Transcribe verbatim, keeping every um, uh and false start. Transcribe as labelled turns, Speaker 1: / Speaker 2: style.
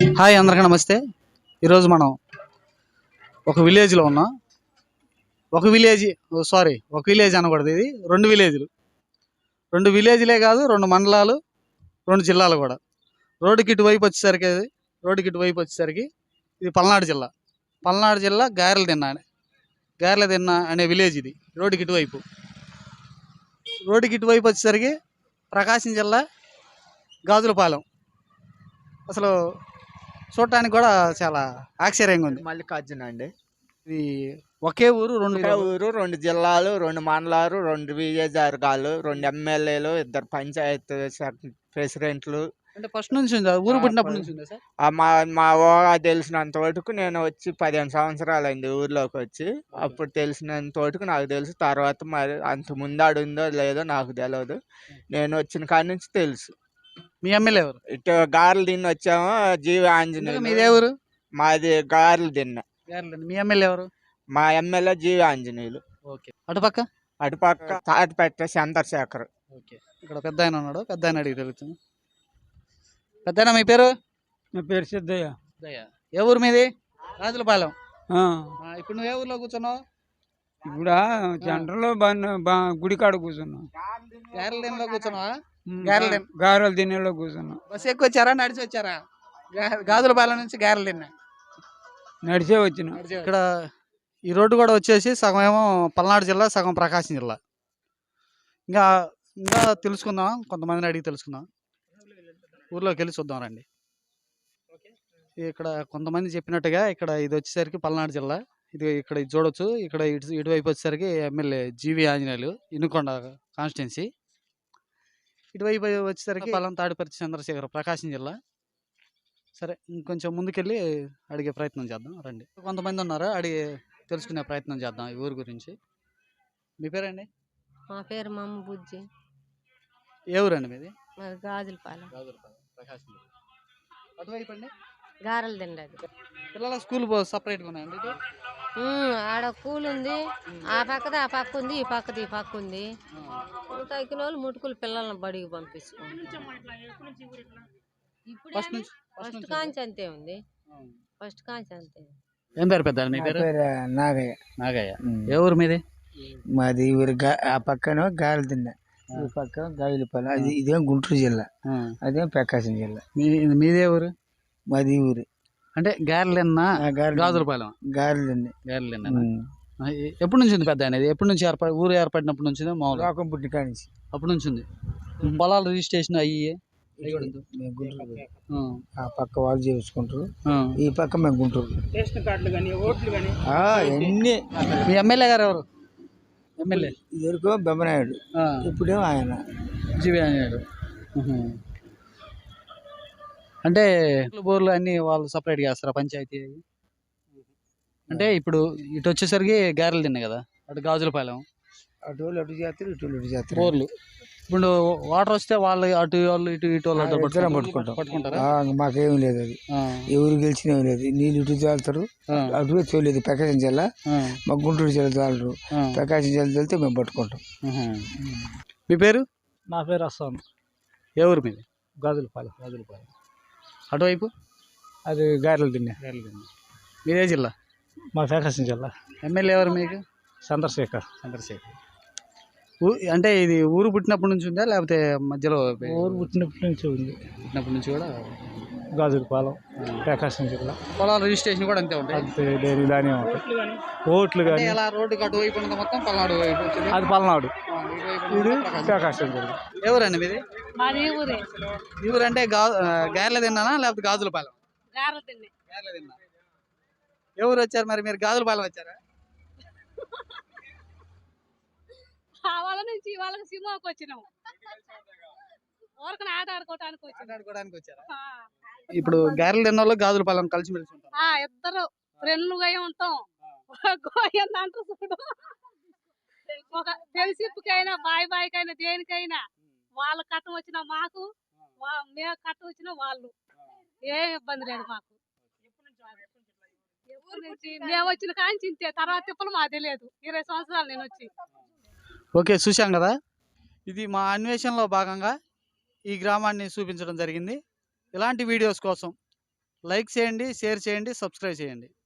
Speaker 1: Hi అందరికీ నమస్తే. ఈరోజు మనం ఒక విలేజ్లో ఉన్నాం. ఒక విలేజ్ సారీ ఒక విలేజ్ అనకూడదు, ఇది రెండు విలేజ్లు. రెండు విలేజ్లే కాదు, రెండు మండలాలు, రెండు జిల్లాలు కూడా. రోడ్డుకి ఇటువైపు వచ్చేసరికి అది రోడ్డుకి ఇటువైపు వచ్చేసరికి ఇది పల్నాడు జిల్లా. పల్నాడు జిల్లా గారెల దిన్న గారెల దిన్న అనే విలేజ్ ఇది. రోడ్డుకి ఇటువైపు రోడ్డుకి ఇటువైపు వచ్చేసరికి ప్రకాశం జిల్లా గాజులపాలెం. అసలు చూడటానికి కూడా చాలా ఆశ్చర్యంగా ఉంది.
Speaker 2: మల్లికార్జున అండి.
Speaker 1: ఇది ఒకే ఊరు, రెండు
Speaker 2: ఒకే ఊరు, రెండు జిల్లాలు, రెండు మండలాలు, రెండు విజయవర్గాలు, రెండు ఎమ్మెల్యేలు, ఇద్దరు పంచాయత్ ప్రెసిడెంట్లు.
Speaker 1: అంటే ఫస్ట్ నుంచి ఉందా? ఊరు పుట్టినప్పటి నుంచి ఉందా సార్?
Speaker 2: మా మా ఊహ తెలిసినంత వరకు నేను వచ్చి పదిహేను సంవత్సరాలు అయింది ఊర్లోకి వచ్చి. అప్పుడు తెలిసినంత వరకు నాకు తెలుసు. తర్వాత మరి అంత ముందాడు ఉందో లేదో నాకు తెలియదు. నేను వచ్చిన కాడి నుంచి తెలుసు.
Speaker 1: మీ ఎమ్మెల్యే ఎవరు?
Speaker 2: ఇటు గారెలు తిని వచ్చాము. జీవి ఆంజనేయులు.
Speaker 1: మీదే ఊరు?
Speaker 2: మాది గారెలు తిన్న.
Speaker 1: మీ ఎమ్మెల్యే ఎవరు?
Speaker 2: మా ఎమ్మెల్యే జీవి ఆంజనేయులు.
Speaker 1: ఓకే. అటుపక్క
Speaker 2: అటుపక్క తాటిపెట్ట చంద్రశేఖర్.
Speaker 1: ఓకే. ఇక్కడ పెద్ద ఆయన ఉన్నాడు, పెద్ద ఆయన అడిగి తెలుస్తుంది. పెద్ద ఆయన మీ పేరు?
Speaker 3: నా పేరు సిద్ధయ్య.
Speaker 1: ఏ ఊరు మీది? గాజులపాలెం. ఇప్పుడు నువ్వు ఏ ఊర్లో కూర్చున్నావు?
Speaker 3: ఇప్పుడు సెంటర్లో గుడి కాడ కూర్చున్నాం.
Speaker 1: గారెల దిన్నెలో కూర్చున్నావా?
Speaker 3: గారెల దిన్నెలో కూర్చున్నాం.
Speaker 1: బస్సు ఎక్కువ వచ్చారా, నడిచి వచ్చారా? గాజులపాలెం నుంచి గారెల దిన్నె
Speaker 3: నడిచే వచ్చిన.
Speaker 1: ఇక్కడ ఈ రోడ్డు కూడా వచ్చేసి సగం ఏమో పల్నాడు జిల్లా, సగం ప్రకాశం జిల్లా. ఇంకా ఇంకా తెలుసుకుందాం, కొంతమందిని అడిగి తెలుసుకుందాం. ఊర్లోకి వెళ్ళి చూద్దాం రండి. ఇక్కడ కొంతమంది చెప్పినట్టుగా ఇక్కడ ఇది వచ్చేసరికి పల్నాడు జిల్లా. ఇది ఇక్కడ ఇది చూడొచ్చు. ఇక్కడ ఇటు ఇటువైపు వచ్చేసరికి ఎమ్మెల్యే జీవి ఆంజనేయులు, ఇనుకొండ కాన్స్టిట్యున్సీ. ఇటువైపు వచ్చేసరికి పల్లం తాడిపర్తి చంద్రశేఖర్, ప్రకాశం జిల్లా. సరే, ఇంకొంచెం ముందుకెళ్ళి అడిగే ప్రయత్నం చేద్దాం రండి. కొంతమంది ఉన్నారు, అడిగి తెలుసుకునే ప్రయత్నం చేద్దాం ఈ ఊరు గురించి. మీ పేరండి?
Speaker 4: మా పేరు మమ్మ బుజ్జి.
Speaker 1: ఏ ఊరండి మీది?
Speaker 4: గాజులపాలెం.
Speaker 1: గాజులపాలెం, ప్రకాశం జిల్లా. అటువైపు అండి
Speaker 4: గారెలు తిండది.
Speaker 1: పిల్లల స్కూల్ సపరేట్గా ఉన్నాయండి ఇటు?
Speaker 4: ఆడ కూల్ ఉంది, ఆ పక్కది ఆ పక్క ఉంది, ఈ పక్కది ఈ పక్క ఉంది. తగ్గిన వాళ్ళు ముటుకులు పిల్లల్ని బడికి పంపించుకుంటాం. ఫస్ట్ కాంచి అంతే ఉంది. ఫస్ట్ కాంచి అంతే.
Speaker 1: ఏం పేరు పెద్ద మీ పేరు?
Speaker 2: నాగయ్య.
Speaker 1: నాగయ్య. ఏ ఊరు మీది?
Speaker 2: మాది ఊరు ఆ పక్కన గారెలు తిన్న, ఈ పక్క గాజులపాలెం. అది ఇదేం గుంటూరు జిల్లా, అదేం ప్రకాశం జిల్లా.
Speaker 1: మీ మీదే ఊరు?
Speaker 2: మాది ఊరు.
Speaker 1: అంటే గారెలన్నా గాజులపాలెం.
Speaker 2: గారెలు తిన్న.
Speaker 1: గారెలన్నా ఎప్పటి నుంచి ఉంది పెద్ద అనేది? ఎప్పటి నుంచి ఏర్పడి ఊరు ఏర్పడినప్పటి నుంచి? మామూలు
Speaker 2: లోకం పుట్టిన కాడి నుంచి
Speaker 1: అప్పటి నుంచి ఉంది. పొలాలు రిజిస్ట్రేషన్ అయ్యి
Speaker 2: ఆ పక్క వాళ్ళు చేయించుకుంటారు, ఈ పక్క మేము గుంటూరు. అన్ని.
Speaker 1: మీ ఎమ్మెల్యే గారు ఎవరు? ఎమ్మెల్యే
Speaker 2: ఇదివరకు బెమ్మనాయుడు, ఇప్పుడేమో ఆయన
Speaker 1: జీవి ఆంజనేయుడు. అంటే బోర్లు అన్ని వాళ్ళు సపరేట్గా చేస్తారా పంచాయతీ? అంటే ఇప్పుడు ఇటు వచ్చేసరికి గారెలు తిన్నాయి కదా, అటు గాజులపాలెం.
Speaker 2: అటు వాళ్ళు అటు చేస్తారు, ఇటు వాళ్ళు ఇటు చేస్తారు.
Speaker 1: బోర్లు ఇప్పుడు వాటర్ వస్తే వాళ్ళు అటు వాళ్ళు ఇటు ఇటు వాళ్ళు
Speaker 2: పట్టుకుంటాం పట్టుకుంటారా? మాకేం లేదు, అది ఎవరు గెలిచిన లేదు. నీళ్ళు ఇటు తోలుతారు, అటు తోలేదు. ప్రకాశం జిల్లా, మా గుంటూరు జిల్లా తోలరు. ప్రకాశం జిల్లా తోలితే మేము పట్టుకుంటాం.
Speaker 1: మీ పేరు?
Speaker 3: నా పేరు అస్సాం.
Speaker 1: ఏ ఊరు మీది?
Speaker 3: గాజులపాలెం.
Speaker 1: గాజులపాలెం. అటువైపు
Speaker 3: అది గారెలు తిన్నా.
Speaker 1: గారెలు తిన్నా. మీదే జిల్లా?
Speaker 3: మా ప్రకాశం జిల్లా.
Speaker 1: ఎమ్మెల్యే ఎవరు మీకు?
Speaker 3: చంద్రశేఖర్.
Speaker 1: చంద్రశేఖర్. అంటే ఇది ఊరు పుట్టినప్పటి నుంచి ఉందా, లేకపోతే మధ్యలో?
Speaker 3: ఊరు పుట్టినప్పటి నుంచి ఉంది.
Speaker 1: పుట్టినప్పటి నుంచి కూడా
Speaker 3: గాజులపాలెం, ప్రకాశం జిల్లా.
Speaker 1: పొలాల రిజిస్ట్రేషన్ కూడా అంతే ఉంటాయి?
Speaker 3: అంతే, దేని దాని ఉంటాయి. ఓట్లు కానీ
Speaker 1: ఎలా రోడ్డుకి అటువైపు ఉన్నది మొత్తం పల్నాడు వైపు?
Speaker 3: అది పల్నాడు, ఇది ప్రకాశం జిల్లా.
Speaker 1: ఎవరండి మీది? ఈ ఊరు అంటే గా గారెల తిన్నానా లేకపోతే గాజులపాలెం? గారెల తిన్నా. ఎవరు వచ్చారు మరి? మీరు గాజులపాలెం వచ్చారా?
Speaker 5: వాళ్ళ నుంచి వాళ్ళకి సినిమాకి వచ్చినాము, ఊరికి ఆట ఆడుకోవడానికి
Speaker 1: ఆడుకోవడానికి వచ్చారా? ఇప్పుడు గారెలు తిన్న వాళ్ళు గాజులపాలెం కలిసిమెలిసి ఉంటారు.
Speaker 5: ఇద్దరు ఫ్రెండ్లుగా ఉంటాం. గోయందంటూ చూడు, ఒక తెలిసికైనా బాయ్ బాయ్కైనా దేనికైనా వాళ్ళ కట్టం వచ్చినా మాకు, మేము కట్టం వచ్చినా వాళ్ళు, ఏం ఇబ్బంది లేదు మాకు. ఎప్పటి నుంచి మేము వచ్చిన కాంచి ఇంతే, తర్వాత తిప్పలు మాకు తెలియదు. ఇరవై సంవత్సరాలు నేను వచ్చి.
Speaker 1: ఓకే, చూసాం కదా. ఇది మా అన్వేషణలో భాగంగా ఈ గ్రామాన్ని చూపించడం జరిగింది. ఇలాంటి వీడియోస్ కోసం లైక్ చేయండి, షేర్ చేయండి, సబ్స్క్రైబ్ చేయండి.